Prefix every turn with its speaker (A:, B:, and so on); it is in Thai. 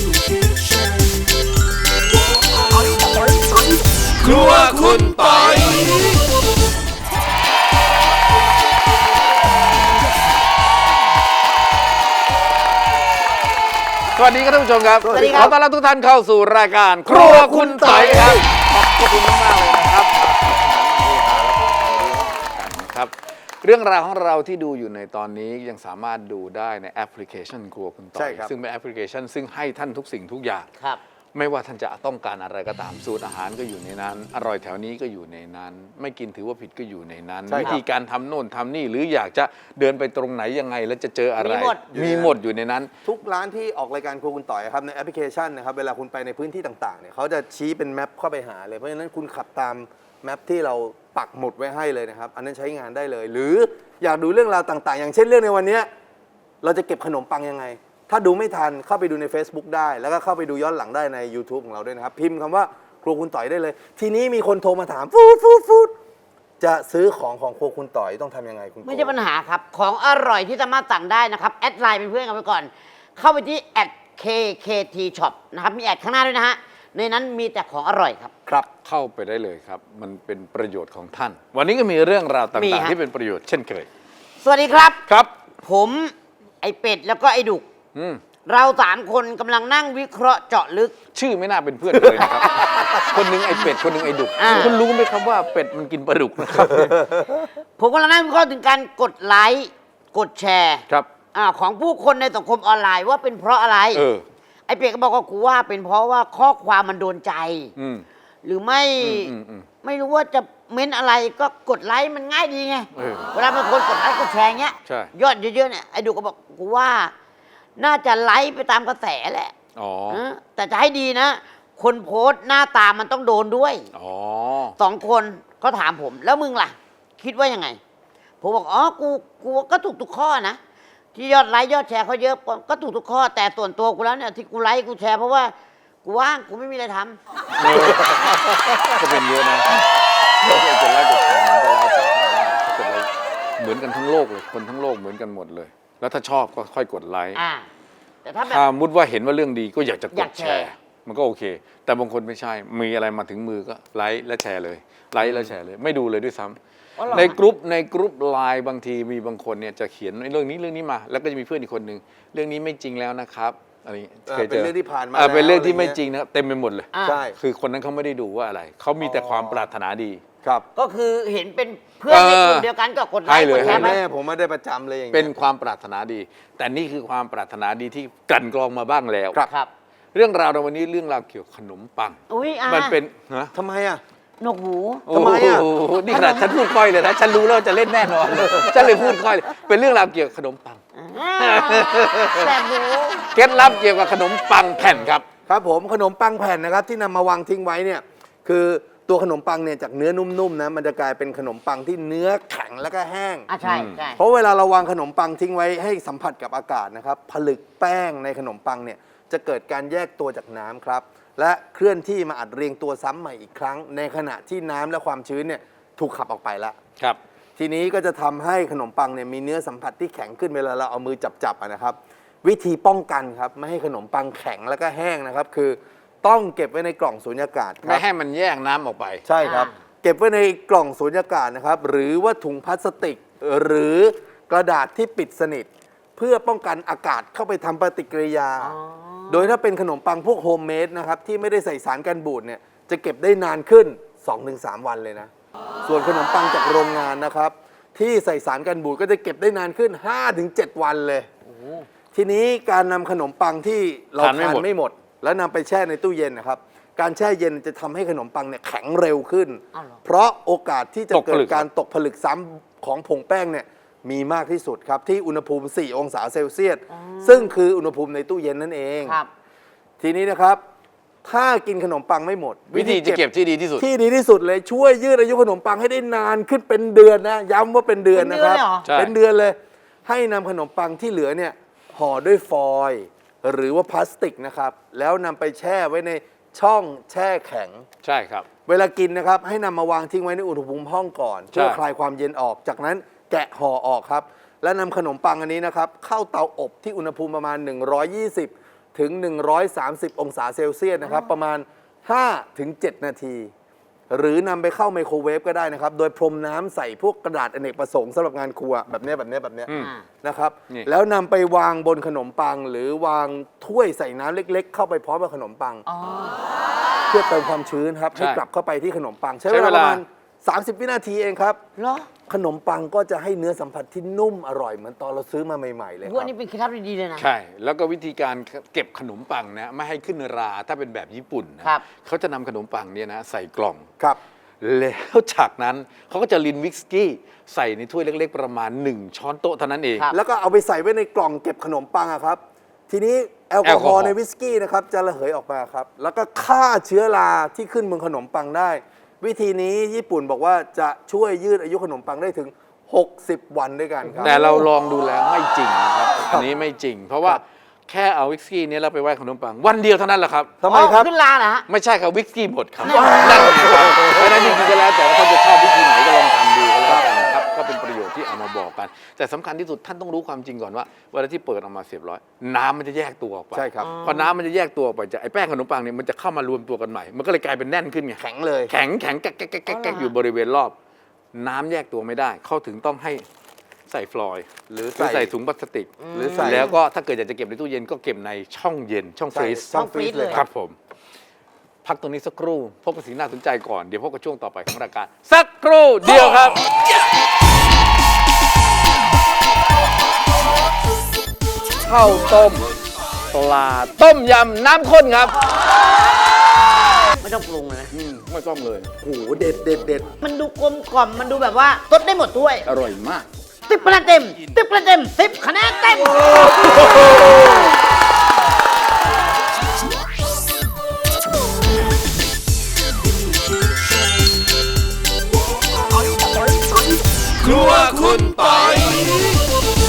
A: ครัวคุณปอยสวัสดีครับท่านผู้ชมครับขอต้อนรับทุกท่านเข้าสู่รายการครัวคุณปอยครับขอบคุณมากเลยนะครับเรื่องราวของเราที่ดูอยู่ในตอนนี้ยังสามารถดูได้ในแอปพลิเคชันครัวคุณปอยซึ่งเป็นแอปพลิเคชันซึ่งให้ท่านทุกสิ่งทุกอย่างไม่ว่าท่านจะต้องการอะไรก็ตามสูตรอาหารก็อยู่ในนั้นอร่อยแถวนี้ก็อยู่ในนั้นไม่กินถือว่าผิดก็อยู่ในนั้นวิธีการทำโน่นทำนี่หรืออยากจะเดินไปตรงไหนยังไงแล้วจะเจออะไรมีหมดอยู่ในนั้น
B: ทุกร้านที่ออกรายการครัวคุณต่อยครับในแอปพลิเคชันนะครับเวลาคุณไปในพื้นที่ต่างๆเนี่ยเขาจะชี้เป็นแมปเข้าไปหาเลยเพราะฉะนั้นคุณขับตามแมปที่เราปักหมุดไว้ให้เลยนะครับอันนั้นใช้งานได้เลยหรืออยากดูเรื่องราวต่างๆอย่างเช่นเรื่องในวันนี้เราจะเก็บขนมปังยังไงถ้าดูไม่ทันเข้าไปดูใน Facebook ได้แล้วก็เข้าไปดูย้อนหลังได้ใน YouTube ของเราด้วยนะครับพิมพ์คำว่าครัวคุณต่อยได้เลยทีนี้มีคนโทรมาถามฟูดจะซื้อของครัวคุณต่อยต้องทำยังไงคุณ
C: ไม่ใช่ปัญหาครับของอร่อยที่สามารถสั่งได้นะครับแอดไลน์เป็นเพื่อนกันไปก่อนเข้าไปที่@KKT Shop นะครับมีแอดข้างหน้าด้วยนะฮะในนั้นมีแต่ของอร่อยครับ
B: ครับ
A: เข้าไปได้เลยครับมันเป็นประโยชน์ของท่านวันนี้ก็มีเรื่องราวต่างๆที่เป็นประโยชน์เช่นเคย
C: สวัสดีครับ
A: ครับ
C: ผมไอเป็ดแล้วก็ไอดุกเรา3คนกำลังนั่งวิเคราะห์เจาะลึก
A: ชื่อไม่น่าเป็นเพื่อนเลยนะครับ คนหนึ่งไอเป็ดคนหนึ่งไอดุกคุณรู้ไหมครับว่าเป็ดมันกินปลาดุกนะครับ
C: ผมกำลังนั่งวิเคราะห์ถึงการกดไลค์กดแชร์
A: ครับ
C: ของผู้คนในสังคมออนไลน์ว่าเป็นเพราะอะไรไอเป็ดก็บอกว่ากูว่าเป็นเพราะว่าข้อความมันโดนใจหรือไม่รู้ว่าจะเม้นอะไรก็กดไลค์มันง่ายดีไงเวลาเป็นคนกดไลค์กดแชร์เงี้ยยอดเยอะๆเนี่ยไอดุกก็บอกกูว่าน่าจะไลค์ไปตามกระแสแหละแต่จะให้ดีนะคนโพสต์หน้าตามันต้องโดนด้วย2 คนเขาถามผมแล้วมึงล่ะคิดว่ายังไงผมบอกกูก็ถูกทุกข้อนะที่ยอดไลค์ยอดแชร์เขาเยอะก็ถูกทุกข้อแต่ส่วนตัวกูแล้วเนี่ยที่กูไลค์กูแชร์เพราะว่ากูว่างกูไม่มีอะไรท
A: ำก็เป็นเยอะนะถ้าเกิดไลค์กดแชร์มันก็แล้วแต่ถ้าเกิดเราเหมือนกันทั้งโลกเลยคนทั้งโลกเหมือนกันหมดเลยแล้วถ้าชอบก็ค่อยกดไลค์
C: แต่ถ้า
A: มุดว่าเห็นว่าเรื่องดีก็อยากจะกดแชร์มันก็โอเคแต่บางคนไม่ใช่มีอะไรมาถึงมือก็ไลค์และแชร์เลยไลค์และแชร์เลยไม่ดูเลยด้วยซ้ำในกรุ๊ปไลน์บางทีมีบางคนเนี่ยจะเขียนเรื่องนี้มาแล้วก็จะมีเพื่อนอีกคนนึงเรื่องนี้ไม่จริงแล้วนะครับอะไร
B: เป็นเรื่องที่ผ่านมา
A: เป็นเรื่องที่ไม่จริงนะครับเต็มไปหมดเลย
B: ใช่
A: คือคนนั้นเขาไม่ได้ดูว่าอะไรเขามีแต่ความปรารถนาดี
B: ครับ
C: ก็คือเห็นเป็นเพื่อนในกลุ่มเดียวกันก็กดไลค์กดแชร์
B: แม่ผมไม่ได้ประจำเลยอย่าง
A: เป็นความปรารถนาดีแต่นี่คือความปรารถนาดีที่กลั่นกรองมาบ้างแล้ว
C: ครับ
A: เรื่องราวในวันนี้เรื่องราวเกี่ยวกับขนมปังมันเป็น
B: ทำไมอ่ะ
C: นกหู
B: ทำไมอ่ะ
A: นี่ขนาดฉันพูดค่อยเลยนะฉันรู้แล้วจะเล่นแน่นอนฉันเลยพูดค่อยเป็นเรื่องราวเกี่ยวกับขนมปัง
C: แบบหู
A: เคล็ดลับเกี่ยวกับขนมปังแผ่นครับ
B: ครับผมขนมปังแผ่นนะครับที่นำมาวางทิ้งไว้เนี่ยคือตัวขนมปังเนี่ยจากเนื้อนุ่มๆนะมันจะกลายเป็นขนมปังที่เนื้อแข็งแล้วก็แห้ง
C: ใช่
B: เพราะเวลาเราวางขนมปังทิ้งไว้ให้สัมผัสกับอากาศนะครับผลึกแป้งในขนมปังเนี่ยจะเกิดการแยกตัวจากน้ำครับและเคลื่อนที่มาอัดเรียงตัวซ้ำใหม่อีกครั้งในขณะที่น้ำและความชื้นเนี่ยถูกขับออกไปแล้ว
A: ครับ
B: ทีนี้ก็จะทำให้ขนมปังเนี่ยมีเนื้อสัมผัสที่แข็งขึ้นเวลาเราเอามือจับนะครับวิธีป้องกันครับไม่ให้ขนมปังแข็งแล้วก็แห้งนะครับคือต้องเก็บไว้ในกล่องสูญญากาศ
A: ไม่ให้มันแยกน้ำออกไป
B: ใช่ครับเก็บไว้ในกล่องสูญญากาศนะครับหรือว่าถุงพลาสติกหรือกระดาษที่ปิดสนิทเพื่อป้องกันอากาศเข้าไปทำปฏิกิริยาโดยถ้าเป็นขนมปังพวกโฮมเมดนะครับที่ไม่ได้ใส่สารกันบูดเนี่ยจะเก็บได้นานขึ้น 2-3 วันเลยนะส่วนขนมปังจากโรงงานนะครับที่ใส่สารกันบูดก็จะเก็บได้นานขึ้น 5-7 วันเลยทีนี้การนำขนมปังที่เราทานไม่หมดแล้วนำไปแช่ในตู้เย็นนะครับการแช่เย็นจะทำให้ขนมปังเนี่ยแข็งเร็วขึ้นเพราะโอกาสที่จะเกิดการตกผลึกซ้ำของผงแป้งเนี่ยมีมากที่สุดครับที่อุณหภูมิ 4 องศาเซลเซียสซึ่งคืออุณหภูมิในตู้เย็นนั่นเองทีนี้นะครับถ้ากินขนมปังไม่หมด
A: วิธีจะเก็บที่ดีที่สุ
B: ดเลยช่วยยืดอายุขนมปังให้ได้นานขึ้นเป็นเดือนนะย้ำว่าเป็นเดือนนะครับเป็นเดือนเลยให้นำขนมปังที่เหลือเนี่ยห่อด้วยฟอยล์หรือว่าพลาสติกนะครับแล้วนำไปแช่ไว้ในช่องแช่แข็ง
A: ใช่ครับ
B: เวลากินนะครับให้นำมาวางทิ้งไว้ในอุณหภูมิห้องก่อนเพื่อคลายความเย็นออกจากนั้นแกะห่อออกครับและนำขนมปังอันนี้นะครับเข้าเตาอบที่อุณหภูมิประมาณ120 ถึง 130 องศาเซลเซียสนะครับ ประมาณ 5-7 นาที หรือนำไปเข้าไมโครเวฟก็ได้นะครับ โดยพรมน้ำใส่พวกกระดาษอเนกประสงค์สำหรับงานครัวแบบเนี้ยนะครับ
A: นี่
B: แล้วนำไปวางบนขนมปัง หรือวางถ้วยใส่น้ำเล็ก ๆ เข้าไปพร้อมกับขนมปัง เพื่อเติมความชื้นครับ ให้กลับเข้าไปที่ขนมปัง ใช้เวลาประมาณ 30 วินาทีเองครับ
C: เหรอ
B: ขนมปังก็จะให้เนื้อสัมผัสที่นุ่มอร่อยเหมือนตอนเราซื้อมาใหม่ ๆ เลยค
C: ว่า
B: รับ
C: นี่เป็นเคล็ดลับดีๆเลยนะ
A: ใช่ แล้วก็วิธีการเก็บขนมปังนะไม่ให้ขึ้นราถ้าเป็นแบบญี่ปุ่นนะครับ เขาจะนำขนมปังเนี่ยนะใส่กล่อง
B: ครับ
A: แล้วจากนั้นเขาก็จะรินวิสกี้ใส่ในถ้วยเล็ก ๆ ประมาณ 1 ช้อนโต๊ะเท่านั้นเอง
C: ครับ
B: แล้วก็เอาไปใส่ไว้ในกล่องเก็บขนมปังอะครับ ทีนี้แอลกอฮอล์ในวิสกี้นะครับจะระเหยออกมาครับ แล้วก็ฆ่าเชื้อราที่ขึ้นบนขนมปังได้ วิธีนี้ญี่ปุ่นบอกว่าจะช่วยยืดอายุขนมปังได้ถึง 60 วันด้วยกันครับ
A: แต่เราลองดูแล้วไม่จริงนะครับ อันนี้ไม่จริง เพราะว่าแค่เอาวิสกี้เนี่ยเราไปไว้ขนมปัง วันเดียวเท่านั้นแหละครับ
B: ทำไมครับ
C: ขึ้นลาเหรอฮะ
A: ไม่ใช่ครับวิสกี้หมดครับนั่นไงครับเพราะฉะนั้นจริงๆก็แล้วแต่ว่าท่านจะชอบวิธีไหนก็ลองทำดูก็แล้วกันนะครับก็เป็นประโยชน์ที่เอามาบอกกัน แต่สำคัญที่สุดท่านต้องรู้ความจริงก่อนว่าเวลาที่เปิดออกมาเสียบร้อยน้ำมันจะแยกตัวออกไป
B: ใช่ครับ
A: พอน้ำมันจะแยกตัวออกไปจากไอ้แป้งขนมปังเนี่ยมันจะเข้ามารวมตัวกันใหม่ มันก็เลยกลายเป็นแน่นขึ้นไง
B: แข็งเลย
A: แข็งแก๊กอยู่บริเวณรอบ น้ำแยกตัวไม่ได้ เขาถึงต้องให้ใส่ฟลอยด์หรือใส่ถุงพลาสติก
B: หรือใส่
A: แล้วก็ถ้าเกิดอยากจะเก็บในตู้เย็นก็เก็บในช่องเย็นช่องฟรีซ
B: ช่องฟรีซเลย
A: ครับผม พักตรงนี้สักครู่พบกับสิ่งน่าสนใจก่อน เดี๋ยวพบกับช่วงต่อไปของรายการสักครู่เดียวครับ ข้าวต้มปลาต้มยำน้ำข้นครับ
C: ไม่ต้องปรุงเลยนะ
A: ไม่ต้องเลย
B: โอ้โหเด็ด
C: มันดูกลมกล่อม มันดูแบบว่าทดได้หมดถ้วย
A: อร่อยมาก
C: 10 คะแนนเต็ม 10 คะแนนเต็ม 10 คะแนนเต็ม
A: ครัวคุณปอย